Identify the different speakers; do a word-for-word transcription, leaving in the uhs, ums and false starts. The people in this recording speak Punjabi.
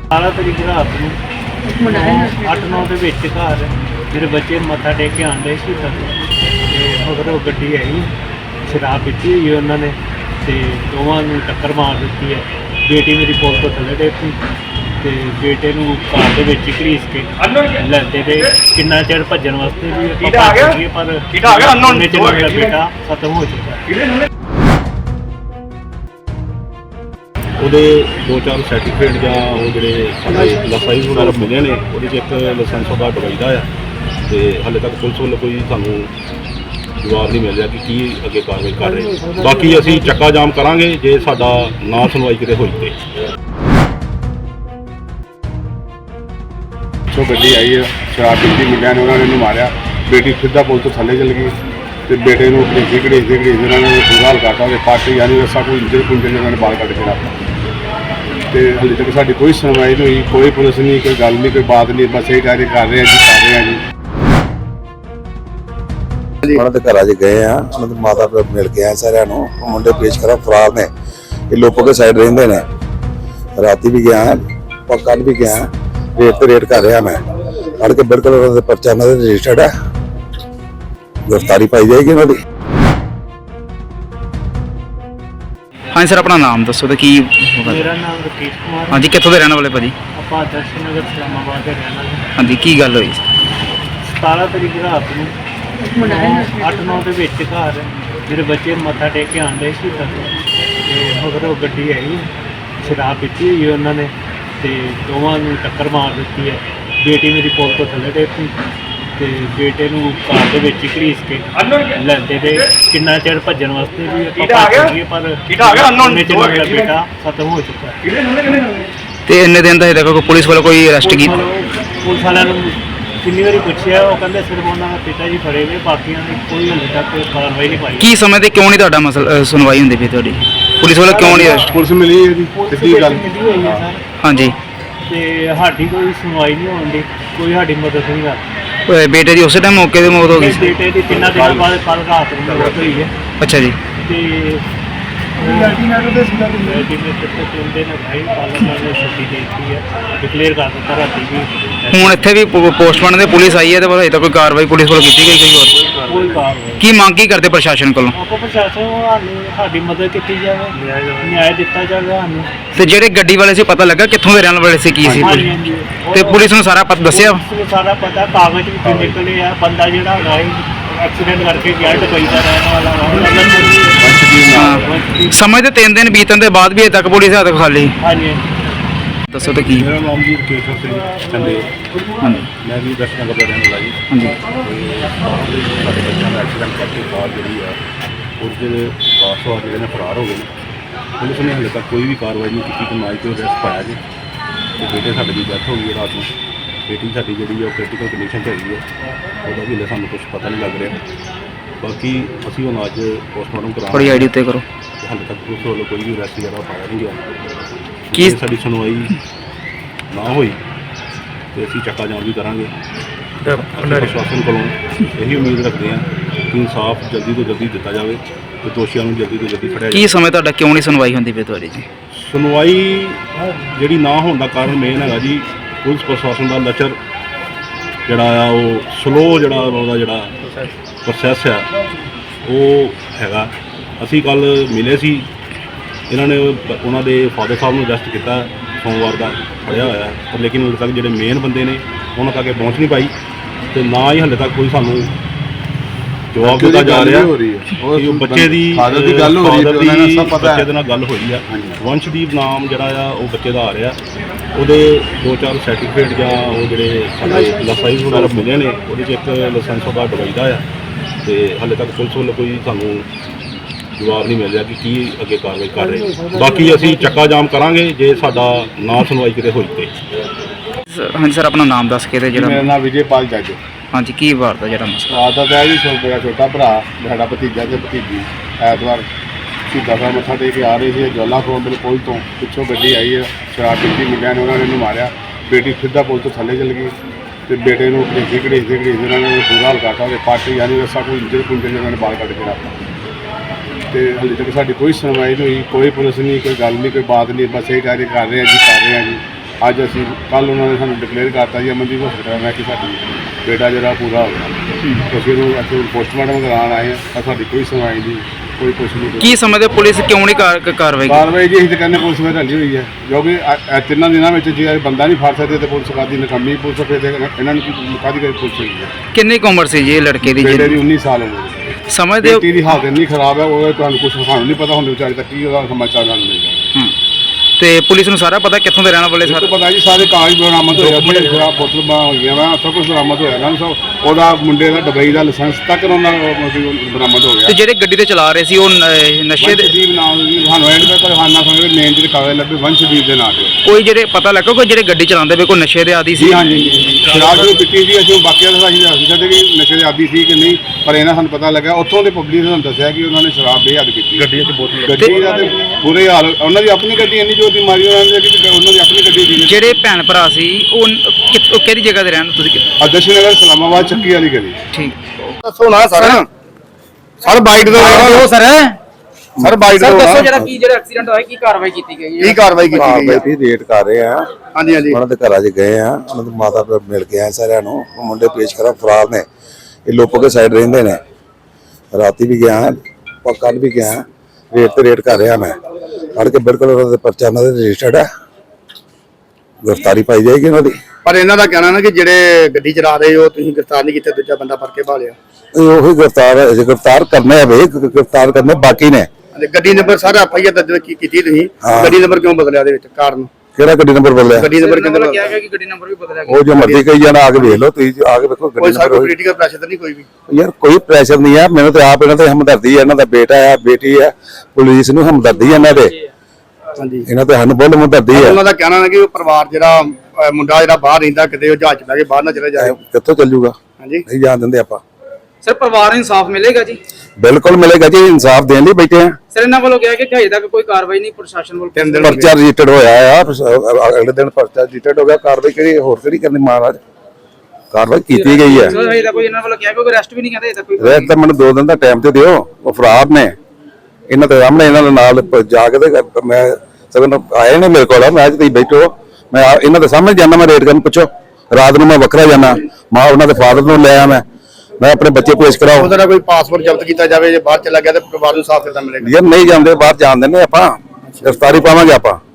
Speaker 1: ਸਤਾਰਾਂ ਤਰੀਕ ਰਾਤ ਨੂੰ ਅੱਠ ਨੌ ਦੇ ਵਿੱਚ ਘਰ ਮੇਰੇ ਬੱਚੇ ਮੱਥਾ ਟੇਕ ਕੇ ਆਉਂਦੇ ਸੀ ਤਾਂ ਤੇ ਮਗਰ ਉਹ ਗੱਡੀ ਆਈ, ਸ਼ਰਾਬ ਪੀਤੀ ਹੋਈ ਉਹਨਾਂ ਨੇ ਤੇ ਦੋਵਾਂ ਨੂੰ ਟੱਕਰ ਮਾਰ ਦਿੱਤੀ ਹੈ। ਬੇਟੀ ਮੇਰੀ ਪੁਲ ਤੋਂ ਥੱਲੇ ਡੇਪੀ ਤੇ ਬੇਟੇ ਨੂੰ ਕਾਰ ਦੇ ਵਿੱਚ ਹੀ ਘਰੀਸ ਕੇ ਲੈਂਦੇ ਤੇ ਕਿੰਨਾ ਚਿਰ ਭੱਜਣ ਵਾਸਤੇ ਵੀ ਆਪਾਂ ਭੱਜ ਗਏ, ਪਰ ਉਹਨੇ ਚਿਰ ਮੇਰਾ ਬੇਟਾ ਖਤਮ ਹੋ ਚੁੱਕਾ।
Speaker 2: ਉਹਦੇ ਦੋ ਚਾਰ ਸਰਟੀਫਿਕੇਟ ਜਾਂ ਉਹ ਜਿਹੜੇ ਸਾਡੇ ਲਾਇਸੈਂਸ ਵਗੈਰਾ ਮਿਲੇ ਨੇ, ਉਹਦੇ 'ਚ ਇੱਕ ਲਾਇਸੈਂਸ ਉਹਦਾ ਦੁਬਈ ਦਾ ਆ ਤੇ ਹਾਲੇ ਤੱਕ ਪੁਲਿਸ ਵੱਲੋਂ ਕੋਈ ਸਾਨੂੰ ਜਵਾਬ ਨਹੀਂ ਮਿਲ ਰਿਹਾ ਕਿ ਕੀ ਅੱਗੇ ਕਾਰਵਾਈ ਕਰ ਰਹੇ। ਬਾਕੀ ਅਸੀਂ ਚੱਕਾ ਜਾਮ ਕਰਾਂਗੇ ਜੇ ਸਾਡਾ ਨਾ ਸੁਣਵਾਈ ਕਿਤੇ ਹੋਈ ਤੇ।
Speaker 3: ਸੋ ਗੱਡੀ ਆਈ ਹੈ, ਸ਼ਰਾਬ ਪੀਤੀ ਮੁੰਡਿਆਂ ਨੇ, ਉਹਨਾਂ ਨੇ ਇਹਨੂੰ ਮਾਰਿਆ। ਬੇਟੀ ਸਿੱਧਾ ਪੁਲ ਤੋਂ ਥੱਲੇ ਚਲ ਗਈ ਤੇ ਬੇਟੇ ਨੂੰ ਘੜੀਸੀ ਘੜੀਸੀ ਘੜੀਸੀ ਉਹਨਾਂ ਨੇ ਬੁਰਾ ਹਾਲ ਕਰਤਾ। ਉਹਦੇ ਪੱਟ ਯਾਨੀ ਰਸਾ ਕੋਈ ਇੰਜਰ ਪੁੰਜਰ ਉਹਨਾਂ ਨੇ ਬਾਲ ਕੱਢ ਕੇ ਰੱਖਤਾ ਤੇ ਹਾਲੇ ਤੱਕ ਸਾਡੀ ਕੋਈ ਸੁਣਵਾਈ ਨਹੀਂ ਹੋਈ, ਕੋਈ ਪੁਲਿਸ ਨਹੀਂ, ਕੋਈ ਗੱਲ ਨਹੀਂ, ਕੋਈ ਬਾਤ ਨਹੀਂ। ਬਸ ਇਹ ਕਾਰਜ ਕਰ ਰਹੇ ਆ ਜੀ, ਕਰ ਰਹੇ ਆ ਜੀ।
Speaker 4: ਉਹਨਾਂ ਦੇ ਘਰਾਂ 'ਚ ਗਏ ਆ, ਉਹਨਾਂ ਦੇ ਮਾਤਾ ਪਿਤਾ ਮਿਲ ਕੇ ਆਏ ਸਾਰਿਆਂ ਨੂੰ। ਉਹ ਮੁੰਡੇ ਪੇਸ਼ ਕਰਾ ਫਰਾਰ ਨੇ, ਇਹ ਲੋਪੋ ਕੇ ਸਾਈਡ ਰਹਿੰਦੇ ਨੇ। ਰਾਤੀ ਵੀ ਗਿਆ, ਕੱਲ ਵੀ ਗਿਆ, ਰੇਟ ਤੇ ਰੇਟ ਕਰ ਰਿਹਾ ਮੈਂ ਫੜ ਕੇ। ਬਿਲਕੁਲ ਉਹਨਾਂ ਦੇ ਪਰਚਾ ਉਹਨਾਂ ਦੇ ਰਜਿਸਟਰਡ ਹੈ, ਗ੍ਰਿਫਤਾਰੀ ਪਾਈ ਜਾਏਗੀ ਉਹਨਾਂ ਦੀ।
Speaker 5: ਹਾਂਜੀ ਸਰ, ਆਪਣਾ ਨਾਮ ਦੱਸੋ ਤੇ ਕੀ
Speaker 1: ਮੇਰਾ ਨਾਮ ਰਕੇਸ਼ ਕੁਮਾਰ।
Speaker 5: ਹਾਂਜੀ, ਕਿੱਥੋਂ ਦੇ ਰਹਿਣ ਵਾਲੇ ਭਾਜੀ?
Speaker 1: ਆਪਾਂ ਦਰਸ਼ਨ ਨਗਰ ਇਸਲਾਮਾਬਾਦ ਦੇ ਰਹਿਣ ਵਾਲੇ।
Speaker 5: ਹਾਂਜੀ, ਕੀ ਗੱਲ ਹੋਈ?
Speaker 1: ਸਤਾਰਾਂ ਤਰੀਕ ਰਾਤ ਨੂੰ ਅੱਠ ਨੌ ਦੇ ਵਿੱਚ ਘਰ ਮੇਰੇ ਬੱਚੇ ਮੱਥਾ ਟੇਕ ਕੇ ਆਉਂਦੇ ਸੀ ਤਾਂ ਤੇ ਮਗਰ ਉਹ ਗੱਡੀ ਆਈ, ਸ਼ਰਾਬ ਪੀਤੀ ਹੋਈ ਉਹਨਾਂ ਨੇ ਤੇ ਦੋਵਾਂ ਨੂੰ ਟੱਕਰ ਮਾਰ ਦਿੱਤੀ ਹੈ। ਬੇਟੀ ਮੇਰੀ ਪੁਲ ਤੋਂ ਥੱਲੇ ਡੇਪੀ ਤੇ ਬੇਟੇ ਨੂੰ ਕਾਰ ਦੇ ਵਿੱਚ ਹੀ ਘਰੀਸ ਕੇ ਲੈਂਦੇ ਤੇ ਕਿੰਨਾ ਚਿਰ ਭੱਜਣ ਵਾਸਤੇ ਵੀ ਆਪਾਂ ਭੱਜ ਗਏ, ਪਰ ਉਹਨੇ ਚਿਰ ਮੇਰਾ ਬੇਟਾ ਖਤਮ ਹੋ ਚੁੱਕਾ।
Speaker 5: ਤੇ ਇੰਨੇ ਦਿਨ ਦਾ ਇਹਦਾ ਕੋਈ ਪੁਲਿਸ ਵੱਲੋਂ ਕੋਈ ਅਰੈਸਟ ਕੀਤਾ?
Speaker 1: ਪੁਲਿਸ ਵਾਲਿਆਂ ਨੂੰ ਕਿੰਨੀ ਵਾਰੀ ਪੁੱਛਿਆ, ਉਹ ਕਹਿੰਦੇ ਸਿਰਫ ਉਹਨਾਂ ਦੇ ਪਿਤਾ ਜੀ ਫੜੇ ਗਏ, ਬਾਕੀਆਂ ਦੀ ਕੋਈ ਹਾਲੇ ਤੱਕ ਕਾਰਵਾਈ ਨਹੀਂ ਪਾਈ।
Speaker 5: ਕੀ ਸਮੇਂ ਤੇ ਕਿਉਂ ਨਹੀਂ ਤੁਹਾਡਾ ਮਸਲਾ ਸੁਣਵਾਈ ਹੁੰਦੀ ਪਈ ਤੁਹਾਡੀ? ਪੁਲਿਸ ਵੱਲੋਂ ਕਿਉਂ ਨਹੀਂ ਅਰੈਸਟ?
Speaker 3: ਪੁਲਿਸ ਮਿਲੀ ਹੈ ਜੀ, ਸਿੱਧੀ ਗੱਲ।
Speaker 1: ਮਿਲੀ ਹੋਈ ਹੈ ਸਰ,
Speaker 5: ਹਾਂਜੀ,
Speaker 1: ਤੇ ਸਾਡੀ ਕੋਈ ਸੁਣਵਾਈ ਨਹੀਂ ਹੋਣ ਦੀ, ਕੋਈ ਸਾਡੀ ਮਦਦ ਨਹੀਂ ਕਰਦੀ।
Speaker 5: ਉਹ ਬੇਟੇ ਦੀ ਉਸੇ ਟਾਈਮ ਮੌਕੇ ਤੇ ਮੌਤ ਹੋ ਗਈ ਸੀ?
Speaker 1: ਬੇਟੇ ਦੀ ਤਿੰਨਾਂ ਦਿਨਾਂ ਬਾਅਦ ਕੱਲ ਰਾਤ ਨੂੰ ਮੌਤ ਹੋਈ ਹੈ।
Speaker 5: ਅੱਛਾ ਜੀ।
Speaker 1: ਤੇ ਕਹਿੰਦੇ ਨੇ ਭਾਈ ਪਾਲਣ ਨੇ ਛੁੱਟੀ ਦੇ ਦਿੱਤੀ ਹੈ, ਡਿਕਲੇਅਰ ਕਰ ਦਿੱਤਾ ਰਾਤੀ ਵੀ।
Speaker 5: ਹੁਣ ਇੱਥੇ ਵੀ ਪੋਸਟਮਾਰਟਮ ਤੇ ਪੁਲਿਸ ਆਈ ਹੈ ਤੇ ਪਰ ਹਜੇ ਤੱਕ ਕੋਈ ਕਾਰਵਾਈ ਪੁਲਿਸ ਵੱਲੋਂ ਕੀਤੀ ਗਈ ਕੋਈ ਹੋਰ?
Speaker 1: ਕੋਈ ਕਾਰਵਾਈ।
Speaker 5: ਕੀ ਮੰਗ ਕੀ ਕਰਦੇ ਪ੍ਰਸ਼ਾਸਨ ਕੋਲੋਂ?
Speaker 1: ਆਪਾਂ ਪ੍ਰਸ਼ਾਸਨ ਨੂੰ ਸਾਨੂੰ ਸਾਡੀ ਮਦਦ ਕੀਤੀ ਜਾਵੇ, ਨਿਆਂ ਦਿੱਤਾ ਜਾਵੇ ਸਾਨੂੰ।
Speaker 5: ਤੇ ਜਿਹੜੇ ਗੱਡੀ ਵਾਲੇ ਸੀ ਪਤਾ ਲੱਗਾ ਕਿੱਥੋਂ ਦੇ ਰਹਿਣ ਵਾਲੇ ਸੀ, ਕੀ ਸੀ?
Speaker 1: ਹਾਂਜੀ ਹਾਂਜੀ,
Speaker 5: ਤੇ ਪੁਲਿਸ ਨੂੰ ਸਾਰਾ ਪਤਾ ਦੱਸਿਆ?
Speaker 1: ਪੁਲਿਸ ਨੂੰ ਸਾਰਾ ਪਤਾ, ਕਾਗਜ਼ ਵੀ ਨਿਕਲੇ ਆ। ਬੰਦਾ ਜਿਹੜਾ ਹੈਗਾ ਐਕਸੀਡੈਂਟ ਕਰਕੇ ਗਿਆ ਦੁਬਈ ਦਾ ਰਹਿਣ ਵਾਲਾ ਵਾ।
Speaker 5: ਹਾਂ, ਸਮੇਂ ਤੇ ਤਿੰਨ ਦਿਨ ਬੀਤਣ ਦੇ ਬਾਅਦ ਵੀ ਅਜੇ ਤੱਕ ਪੁਲਿਸ ਹੱਥ ਖਾਲੀ।
Speaker 1: ਹਾਂਜੀ
Speaker 5: ਦੱਸੋ ਤੇ ਕੀ?
Speaker 2: ਮੇਰਾ ਨਾਮ ਜੀ ਰਕੇਸ਼ ਸਿੰਘ ਚੰਦੇ,
Speaker 5: ਹਾਂਜੀ
Speaker 2: ਮੈਂ ਵੀ ਦਰਸ਼ਨ ਨਗਰ ਦਾ ਰਹਿਣ ਵਾਲਾ ਜੀ।
Speaker 5: ਹਾਂਜੀ
Speaker 2: ਤੇ ਸਾਡੇ ਬੱਚਿਆਂ ਦਾ ਐਕਸੀਡੈਂਟ ਕਰਕੇ ਕਾਰ ਜਿਹੜੀ ਆ ਉਹਦੇ ਕਾਰ ਸਵਾਰ ਜਿਹੜੇ ਨੇ ਫਰਾਰ ਹੋ ਗਏ ਨੇ। ਪੁਲਿਸ ਨੇ ਹਾਲੇ ਤੱਕ ਕੋਈ ਵੀ ਕਾਰਵਾਈ ਨਹੀਂ ਕੀਤੀ ਕਿ ਨਾ ਹੀ ਕੋਈ ਅਰੈਸਟ ਪਾਇਆ ਜੀ। ਤੇ ਬੇਟੇ ਸਾਡੇ ਦੀ ਡੈਥ ਹੋ ਗਈ ਰਾਤ ਨੂੰ। ਬੇਟੀ ਸਾਡੀ ਜਿਹੜੀ ਆ ਉਹ ਕ੍ਰਿਟੀਕਲ ਕੰਡੀਸ਼ਨ 'ਚ ਹੈਗੀ ਹੈ, ਉਹਦਾ ਵੀ ਹਲੇ ਸਾਨੂੰ ਕੁਛ ਪਤਾ ਨਹੀਂ ਲੱਗ ਰਿਹਾ। ਬਾਕੀ ਅਸੀਂ ਹੁਣ ਅੱਜ ਪੋਸਟਮਾਰਟਮ ਕਰਾ
Speaker 5: ਥੋੜੀ ਆਈਡੀ ਉੱਤੇ ਕਰੋ।
Speaker 2: ਹਾਲੇ ਤੱਕ ਪੁਲਿਸ ਵੱਲੋਂ ਕੋਈ ਵੀ ਅਰੈਸਟ ਜਿਹੜਾ ਪਾਇਆ ਨਹੀਂ ਗਿਆ।
Speaker 5: ਕੀ
Speaker 2: ਸਾਡੀ ਸੁਣਵਾਈ ਨਾ ਹੋਈ ਤੇ ਅਸੀਂ ਚੱਕਾ ਜਾਮ ਵੀ ਕਰਾਂਗੇ। ਪ੍ਰਸ਼ਾਸਨ ਕੋਲੋਂ ਇਹੀ ਉਮੀਦ ਰੱਖਦੇ ਹਾਂ ਕਿ ਇਨਸਾਫ ਜਲਦੀ ਤੋਂ ਜਲਦੀ ਦਿੱਤਾ ਜਾਵੇ ਤੇ ਦੋਸ਼ੀਆਂ ਨੂੰ ਜਲਦੀ ਤੋਂ ਜਲਦੀ ਫੜਿਆ ਜਾਵੇ।
Speaker 5: ਕੀ ਸਮੇਂ ਤੁਹਾਡਾ ਕਿਉਂ ਨਹੀਂ ਸੁਣਵਾਈ ਹੁੰਦੀ ਪਈ ਤੁਹਾਡੀ ਜੀ?
Speaker 2: ਸੁਣਵਾਈ ਜਿਹੜੀ ਨਾ ਹੋਣ ਦਾ ਕਾਰਨ ਮੇਨ ਹੈਗਾ ਜੀ ਪੁਲਿਸ ਪ੍ਰਸ਼ਾਸਨ ਦਾ ਲਚਰ ਜਿਹੜਾ ਆ, ਉਹ ਸਲੋ ਜਿਹੜਾ ਉਹਦਾ ਜਿਹੜਾ ਪ੍ਰੋਸੈਸ ਆ ਉਹ ਹੈਗਾ। ਅਸੀਂ ਕੱਲ੍ਹ ਮਿਲੇ ਸੀ, ਇਹਨਾਂ ਨੇ ਉਹਨਾਂ ਦੇ ਫਾਦਰ ਸਾਹਿਬ ਨੂੰ ਅਰੈਸਟ ਕੀਤਾ ਸੋਮਵਾਰ ਦਾ, ਫੜਿਆ ਹੋਇਆ, ਪਰ ਲੇਕਿਨ ਹਾਲੇ ਤੱਕ ਜਿਹੜੇ ਮੇਨ ਬੰਦੇ ਨੇ ਉਹਨਾਂ ਤੱਕ ਪਹੁੰਚ ਨਹੀਂ ਪਾਈ ਤੇ ਨਾ ਹੀ ਹਾਲੇ ਤੱਕ ਕੋਈ ਸਾਨੂੰ ਜਵਾਬ ਦਿੱਤਾ ਜਾ ਰਿਹਾ। ਉਹ ਬੱਚੇ ਦੀ
Speaker 3: ਫਾਦਰ ਦੀ ਗੱਲ ਹੋ ਰਹੀ ਹੈ, ਉਹਨਾਂ ਨੂੰ ਸਭ ਪਤਾ ਹੈ,
Speaker 2: ਬੱਚੇ ਦੇ ਨਾਲ ਗੱਲ ਹੋਈ ਆ। ਵੰਸ਼ਦੀਪ ਨਾਮ ਜਿਹੜਾ ਆ ਉਹ ਬੱਚੇ ਦਾ ਆ ਰਿਹਾ। ਉਹਦੇ ਦੋ ਚਾਰ ਸਰਟੀਫਿਕੇਟ ਜਾਂ ਉਹ ਜਿਹੜੇ ਸਾਡੇ ਲਾਇਸੈਂਸ ਵਗੈਰਾ ਮਿਲੇ ਨੇ, ਉਹਦੇ 'ਚ ਇੱਕ ਲਾਇਸੈਂਸ ਉਹਦਾ ਦੁਬਈ ਦਾ ਆ ਤੇ ਹਾਲੇ ਤੱਕ ਪੁਲਿਸ ਵੱਲੋਂ ਕੋਈ ਸਾਨੂੰ ਜਵਾਬ ਨਹੀਂ ਮਿਲ ਰਿਹਾ ਕਿ ਕੀ ਅੱਗੇ ਕਾਰਵਾਈ ਕਰ ਰਹੇ। ਬਾਕੀ ਅਸੀਂ ਚੱਕਾ ਜਾਮ ਕਰਾਂਗੇ ਜੇ ਸਾਡਾ ਨਾ ਸੁਣਵਾਈ ਕਿਤੇ ਹੋਈ ਤੇ।
Speaker 5: ਹਾਂਜੀ ਸਰ, ਆਪਣਾ ਨਾਮ ਦੱਸ ਕੇ ਤੇ
Speaker 3: ਮੇਰਾ
Speaker 5: ਜਿਹੜਾ।
Speaker 3: ਨਾਮ ਵਿਜੇਪਾਲ ਜੱਜ।
Speaker 5: ਹਾਂਜੀ, ਕੀ ਵਾਰ ਦਾ ਜਿਹੜਾ ਮਸਲਾ?
Speaker 3: ਰਾਤ ਦਾ ਤਾਂ ਇਹ ਜੀ ਮੇਰਾ ਛੋਟਾ ਭਰਾ, ਸਾਡਾ ਭਤੀਜਾ ਤੇ ਭਤੀਜੀ ਐਤਵਾਰ ਸ਼ਹੀਦਾਂ ਸਾਹਿਬ ਮੱਥਾ ਟੇਕ ਕੇ ਆ ਰਹੇ ਸੀ। ਜਵਾਲਾ ਖੋਮ ਦੇ ਪੁਲ ਤੋਂ ਪਿੱਛੋਂ ਗੱਡੀ ਆਈ ਹੈ, ਸ਼ਰਾਬ ਪੀਤੀ ਮੁੰਡਿਆਂ ਨੇ, ਉਹਨਾਂ ਨੇ ਇਹਨੂੰ ਮਾਰਿਆ। ਬੇਟੀ ਸਿੱਧਾ ਪੁਲ ਤੋਂ ਥੱਲੇ ਚਲ ਗਈ ਤੇ ਬੇਟੇ ਨੂੰ ਘੜੀਸੀ ਘੜੀਸੀ ਘੜੀਸੀ ਉਹਨਾਂ ਨੇ ਬੁਰਾ ਹਾਲ ਕਰਤਾ। ਉਹਦੇ ਪੱਟ ਯਾਨੀ ਰਸਾ ਕੋਈ ਇੰਜਰ ਪੁੰਜਰ ਉਹਨਾਂ ਨੇ ਬਾਲ ਕੱਢ ਕੇ ਰੱਖਤਾ ਤੇ ਹਾਲੇ ਤੱਕ ਸਾਡੀ ਕੋਈ ਸੁਣਵਾਈ ਨਹੀਂ ਹੋਈ, ਕੋਈ ਪੁਲਿਸ ਨਹੀਂ, ਕੋਈ ਗੱਲ ਨਹੀਂ, ਕੋਈ ਬਾਤ ਨਹੀਂ। ਬਸ ਇਹ ਕਾਰਜ ਕਰ ਰਹੇ ਆ ਜੀ, ਕਰ ਰਹੇ ਆ ਜੀ। ਅੱਜ ਅਸੀਂ ਕੱਲ ਉਹਨਾਂ ਨੇ ਸਾਨੂੰ ਡਿਕਲੇਅਰ ਕਰਤਾ ਜੀ ਅਮਨਦੀਪ ਹਸਪਤਾਲ ਮੈਂ ਕਿ ਸਾਡੀ ਬੇਟਾ ਜਿਹੜਾ ਪੂਰਾ ਹੋ ਗਿਆ। ਅਸੀਂ ਉਹਨੂੰ ਇੱਥੇ ਪੋਸਟਮਾਰਟਮ ਕਰਾਉਣ ਆਏ ਹਾਂ ਪਰ ਸਾਡੀ ਕੋਈ ਸੁਣਵਾਈ ਨਹੀਂ, ਕੋਈ ਕੁਛ ਨਹੀਂ।
Speaker 5: ਕੀ ਸਮਝਦੇ ਪੁਲਿਸ ਕਿਉਂ ਨਹੀਂ ਕਾਰ- ਕਾਰਵਾਈ ਕੀਤੀ?
Speaker 3: ਕਾਰਵਾਈ ਜੀ ਅਸੀਂ ਤਾਂ ਕਹਿੰਦੇ ਪੁਲਿਸ ਵਿੱਚ ਢਲੀ ਹੋਈ ਹੈ ਕਿਉਂਕਿ ਇਹ- ਇਹ ਤਿੰਨਾਂ ਦਿਨਾਂ ਵਿੱਚ ਜੇ ਬੰਦਾ ਨਹੀਂ ਫੜ ਸਕਦੇ ਤੇ ਪੁਲਿਸ ਕਾਦੀ ਨਕਾਮੀ ਪੁਲਿਸ ਫਿਰ ਤੇ ਇਹਨਾਂ ਨੂੰ ਕਾਦੀ ਕਰੀ ਪੁਲਿਸ ਹੋਈ ਹੈ।
Speaker 5: ਕਿੰਨੀ ਕੁ ਉਮਰ ਸੀ ਜੀ ਇਹ ਲੜਕੇ ਦੀ?
Speaker 3: ਬੇਟੇ
Speaker 5: ਜੀ
Speaker 3: ਦੀ ਉੱਨੀ ਸਾਲ ਉਮਰ ਹੈ।
Speaker 5: ਸਮਝਦੇ ਹੋ?
Speaker 3: ਬੇਟੀ ਦੀ ਹਾਲਤ ਇੰਨੀ ਖਰਾਬ ਹੈ ਉਹ ਤੁਹਾਨੂੰ ਕੁਝ ਸਾਨੂੰ ਨਹੀਂ ਪਤਾ ਹੁੰਦੇ ਵਿਚਾਰੇ ਤੱਕ ਕੀ ਉਹਦਾ ਸਮਾਚਾਰ ਨਾਲ ਮਿਲਦਾ।
Speaker 5: ਹੂੰ। ਤੇ ਪੁਲਿਸ ਨੂੰ ਸਾਰਾ ਪਤਾ ਕਿੱਥੋਂ ਦੇ ਰਹਿਣ ਵਾਲੇ
Speaker 3: ਇਹ
Speaker 5: ਸਰ?
Speaker 3: ਤਾਂ ਪਤਾ ਜੀ ਸਾਰੇ ਕਾਗਜ਼ ਬਰਾਮਦ ਹੋਏ ਬੜੇ ਖਰਾਬ ਬੋਤਲ ਬਾ ਹੋ ਗਿਆ ਵਾ ਸਭ ਕੁਝ ਬਰਾਮਦ ਹੋਇਆ ਨਾ ਸਭ ਉਹਦਾ ਮੁੰਡੇ ਦਾ ਦੁਬਈ ਦਾ ਲਾਇਸੈਂਸ ਤੱਕ ਉਹਨਾਂ ਦਾ ਬਰਾਮਦ ਹੋ ਗਿਆ।
Speaker 5: ਤੇ ਜਿਹੜੇ ਗੱਡੀ ਤੇ ਚਲਾ ਰਹੇ ਸੀ ਉਹ ਨ- ਨਸ਼ੇ ਦੇ
Speaker 3: ਵੰਸ਼ਦੀਪ ਨਾਮ ਦੀ ਸਾਨੂੰ ਐਂਡ ਤੇ ਪਰਹਾਨਾ ਸਮਝੇ ਮੇਨ ਜਿਹੜੇ ਕਾਗਜ਼ ਲੱਭੇ ਵੰਸ਼ਦੀਪ ਦੇ ਨਾਂ ਤੇ।
Speaker 5: ਕੋਈ ਜਿਹੜੇ ਪਤਾ ਲੱਗਾ ਕੋਈ ਜਿਹੜੇ ਗੱਡੀ ਚਲਾਉਂਦੇ ਵੇ ਕੋਈ ਨਸ਼ੇ ਦੇ ਆਦੀ ਸੀ?
Speaker 3: ਜੀ ਹਾਂਜੀ ਸ਼ਰਾਬ ਵੀ ਪੀਤੀ ਸੀ ਅਸੀਂ ਬਾਕੀਆਂ ਦਾ ਅਸੀਂ ਦੱਸ ਸਕਦੇ ਕਿ ਨਸ਼ੇ ਦੇ ਆਦੀ ਸੀ ਕਿ ਨਹੀਂ ਪਰ ਇਹਨਾਂ ਸਾਨੂੰ ਪਤਾ ਲੱਗਾ ਉੱਥੋਂ ਦੇ ਪਬਲਿਕ ਨੇ ਸਾਨੂੰ ਦੱਸਿਆ ਕਿ ਉਹਨਾਂ ਨੇ ਸ਼ਰਾਬ ਬੇਹੱਦ ਪੀਤੀ। ਗੱਡੀ ਤੇ ਬੋਤਲ ਗੱਡੀ ਦਾ ਤੇ ਬੁਰੇ ਹਾਲ ਉਹਨਾਂ ਦੀ ਆਪਣੀ ਗੱਡੀ ਇੰਨੀ ਜੋਤੀ ਮਾਰੀ ਉਹਨਾਂ ਨੇ ਕਿ ਉਹਨਾਂ ਦੀ ਆਪਣੀ ਗੱਡੀ ਸੀ।
Speaker 5: ਜਿਹੜੇ ਭੈਣ ਭਰਾ ਸੀ ਉਹ ਨ- ਕਿ- ਉਹ ਕਿਹੜੀ ਜਗ੍ਹਾ ਤੇ ਰਹਿਣ ਤੁਸੀਂ ਕਿ-
Speaker 3: ਆਦਰਸ਼ ਨਗਰ ਸਲਾਮਾਬਾਦ ਚੱਕੀ ਵਾਲੀ ਗਲੀ।
Speaker 5: ਠੀਕ
Speaker 3: ਦੱਸੋ ਨਾ ਸਰ ਸਰ ਬਾਈਟ ਦੋ
Speaker 5: ਸਰ
Speaker 3: ਸਰ ਬਾਈਟ
Speaker 5: ਸਰ
Speaker 3: ਦੋ
Speaker 5: ਦੱਸੋ ਜਿਹੜਾ ਕੀ ਜਿਹੜਾ ਐਕਸੀਡੈਂਟ ਹੋਇਆ ਕੀ ਕਾਰਵਾਈ ਕੀਤੀ ਗਈ
Speaker 3: ਕੀ ਕਾਰਵਾਈ ਕੀਤੀ
Speaker 4: ਹਾਂ
Speaker 3: ਗਈ ਹੈ?
Speaker 4: ਬਈ ਰੇਟ ਕਰ ਰਹੇ ਆ,
Speaker 3: ਹਾਂਜੀ ਹਾਂਜੀ
Speaker 4: ਉਹਨਾਂ ਦੇ ਘਰਾਂ 'ਚ ਗਏ ਆ, ਉਹਨਾਂ ਦੇ ਮਾਤਾ ਪਿਤਾ ਮਿਲ ਕੇ ਆਏ ਸਾਰਿਆਂ ਨੂੰ। ਉਹ ਮੁੰਡੇ ਪੇਸ਼ ਕਰਾ ਫਰਾਰ ਨੇ, ਇਹ ਲੋਪੋ ਕੇ ਸਾਈਡ ਰਹਿੰਦੇ ਨੇ। ਰਾਤੀ ਵੀ ਗਿਆ ਪਰ ਕੱਲ ਵੀ ਗਿਆ, ਰੇਟ ਤੇ ਰੇਟ ਕਰ ਰਿਹਾ ਮੈਂ ਫੜ ਕੇ ਬਿਲਕੁਲ ਉਹਨਾਂ ਦੇ ਪਰਚਾ ਉਹਨਾਂ ਦੇ ਰਜਿਸਟਰਡ ਹੈ, ਗ੍ਰਿਫਤਾਰੀ ਪਾਈ ਜਾਏਗੀ ਉਹਨਾਂ ਦੀ।
Speaker 3: ਪਰ ਇਹਨਾਂ ਦਾ ਕਹਿਣਾ ਨਾ ਕਿ ਜਿਹੜੇ ਗੱਡੀ ਚਲਾ ਰਹੇ ਹੋ ਤੁਸੀਂ ਗ੍ਰਿਫਤਾਰ ਨਹੀਂ ਕੀਤੇ, ਦੂਜਾ ਬੰਦਾ ਫੜ ਕੇ ਭਾਲਿਆ।
Speaker 4: ਇਹ ਉਹੀ ਗ੍ਰਿਫਤਾਰ ਹੈ, ਜੇ ਗ੍ਰਿਫਤਾਰ ਕਰਨੇ ਆ ਵੇ ਗ੍ਰਿਫਤਾਰ ਕਰਨੇ ਬਾਕੀ ਨੇ।
Speaker 3: ਗੱਡੀ ਨੰਬਰ ਸਾਰਾ ਐਫ ਆਈ ਆਰ ਦਰਜ ਕੀਤੀ ਤੁਸੀਂ,
Speaker 4: ਹਾਂ।
Speaker 3: ਗੱਡੀ ਨੰਬਰ ਕਿਉਂ ਬਦਲਿਆ ਦੇ ਵਿੱਚ ਕਾਰਨ?
Speaker 4: ਕਿਹੜਾ ਗੱਡੀ ਨੰਬਰ ਬਦਲਿਆ?
Speaker 3: ਗੱਡੀ ਨੰਬਰ ਕਿੰਨੇ
Speaker 5: ਕਿਹਾ ਗਿਆ ਕਿ ਗੱਡੀ ਨੰਬਰ ਵੀ ਬਦਲਿਆ ਗਿਆ।
Speaker 4: ਉਹ ਜੋ ਮਰਜ਼ੀ ਕਹੀ ਜਾਣਾ, ਆ ਕੇ ਵੇਖ ਲਓ ਤੁਸੀਂ, ਆ ਕੇ ਵੇਖੋ
Speaker 3: ਕੋਈ
Speaker 4: ਗੱਡੀ
Speaker 3: ਸਾਡਾ
Speaker 4: ਨੰਬਰ ਉਹੀ।
Speaker 3: ਪੋਲੀਟੀਕਲ ਪ੍ਰੈਸ਼ਰ ਤਾਂ ਨਹੀਂ ਕੋਈ ਵੀ?
Speaker 4: ਯਾਰ ਕੋਈ ਪ੍ਰੈਸ਼ਰ ਨਹੀਂ ਹੈ, ਮੈਨੂੰ ਤੇ ਆਪ ਇਹਨਾਂ ਤੇ ਹਮਦਰਦੀ ਹੈ, ਇਹਨਾਂ ਦਾ ਬੇਟਾ ਹੈ ਬੇਟੀ ਹੈ, ਪੁਲਿਸ ਨੂੰ ਹਮਦਰਦੀ ਹੈ ਇਹਨਾਂ ਦੇ,
Speaker 3: ਹਾਂਜੀ
Speaker 4: ਇਹਨਾਂ ਤੇ ਸਾਨੂੰ ਬਹੁਤ ਹਮਦਰਦੀ ਹੈ।
Speaker 3: ਉਹਨਾਂ ਦਾ ਕਹਿਣਾ ਹੈ ਕਿ ਉਹ ਪਰਿਵਾਰ ਜਿਹੜਾ ਅਹ ਮੁੰਡਾ ਜਿਹੜਾ ਬਾਹਰ ਰਹਿੰਦਾ ਕਿਤੇ ਉਹ ਜਹਾਜ਼ ਚਲਾ ਕੇ ਬਾਹਰ ਨਾ ਚਲੇ ਜਾਏ।
Speaker 4: ਕਿੱਥੋਂ ਚੱਲ ਜੂਗਾ?
Speaker 3: ਹਾਂਜੀ
Speaker 4: ਨਹੀਂ ਜਾਣ ਦਿੰਦੇ ਆਪਾਂ।
Speaker 5: ਸਰ ਪਰਿਵਾਰ ਨੂੰ ਇਨਸਾਫ ਮਿਲੇਗਾ ਜੀ?
Speaker 4: ਬਿਲਕੁਲ ਮਿਲੇਗਾ ਜੀ, ਇਨਸਾਫ ਦੇਣ ਲਈ ਬੈਠੇ ਆ।
Speaker 5: ਸਰ ਇਹਨਾਂ ਵੱਲੋਂ ਕਿਹਾ ਕਿ ਹਜੇ ਤੱਕ ਕੋਈ ਕਾਰਵਾਈ ਨਹੀਂ ਪ੍ਰਸ਼ਾਸਨ ਵੱਲੋਂ।
Speaker 3: ਤਿੰਨ ਦਿਨ
Speaker 4: ਪਰਚਾ ਰਜਿਸਟਰਡ ਹੋਇਆ ਆ, ਅਗਲੇ ਦਿਨ ਪਰਚਾ ਰਜਿਸਟਰਡ ਹੋ ਗਿਆ। ਕਾਰਵਾਈ ਕਿਹੜੀ ਹੋਰ ਕਿਹੜੀ ਕਰਨੀ ਮਹਾਰਾਜ? ਕਾਰਵਾਈ ਕੀਤੀ ਗਈ ਹੈ।
Speaker 5: ਸਰ ਹਜੇ ਤੱਕ ਕੋਈ ਇਹਨਾਂ ਵੱਲੋਂ ਕਿਹਾ ਕੋਈ ਅਰੈਸਟ ਵੀ ਨਹੀਂ ਕਹਿੰਦੇ ਹਜੇ ਤੱਕ ਕੋਈ।
Speaker 4: ਰੇਟ ਤਾਂ ਮੈਨੂੰ ਦੋ ਦਿਨ ਦਾ ਟਾਈਮ ਤੇ ਦਿਓ, ਉਹ ਫਰਾਰ ਨੇ। ਇਹਨਾਂ ਦੇ ਸਾਹਮਣੇ ਇਹਨਾਂ ਦੇ ਨਾਲ ਪ- ਜਾ ਕੇ ਤੇ ਮੈਂ ਸਗਨ ਆਏ ਨੇ ਮੇਰੇ ਕੋਲ, ਮੈਂ ਅੱਜ ਤੁਸੀਂ ਬੈਠੋ, ਮੈਂ ਆ- ਇਹਨਾਂ ਦੇ ਸਾਹਮਣੇ ਜਾਣਾ, ਮੈਂ ਰੇਟ ਕਰਨ ਪੁੱਛੋ। ਰਾਤ ਨੂੰ ਮੈਂ ਵੱਖਰਾ ਜਾਣਾ, ਮਾਂ ਉਹਨਾਂ ਦੇ ਫਾਦਰ ਨੂੰ ਲੈ ਆ, ਮੈਂ ਮੈਂ ਆਪਣੇ ਬੱਚੇ ਪੇਸ਼ ਕਰਾਓ।
Speaker 3: ਉਹਦਾ ਕੋਈ ਪਾਸਪੋਰਟ ਜ਼ਬਤ ਕੀਤਾ ਜਾਵੇ, ਜੇ ਬਾਹਰ ਚਲਾ ਗਿਆ ਤਾਂ ਪਰਿਵਾਰ ਨੂੰ ਸਾਫ਼ ਕਰਦਾ ਮਿਲੇਗਾ।
Speaker 4: ਯਾਰ ਨਹੀਂ ਜਾਂਦੇ ਬਾਹਰ ਜਾਣ ਦਿੰਦੇ ਆਪਾਂ, ਗ੍ਰਿਫਤਾਰੀ ਪਾਵਾਂਗੇ ਆਪਾਂ।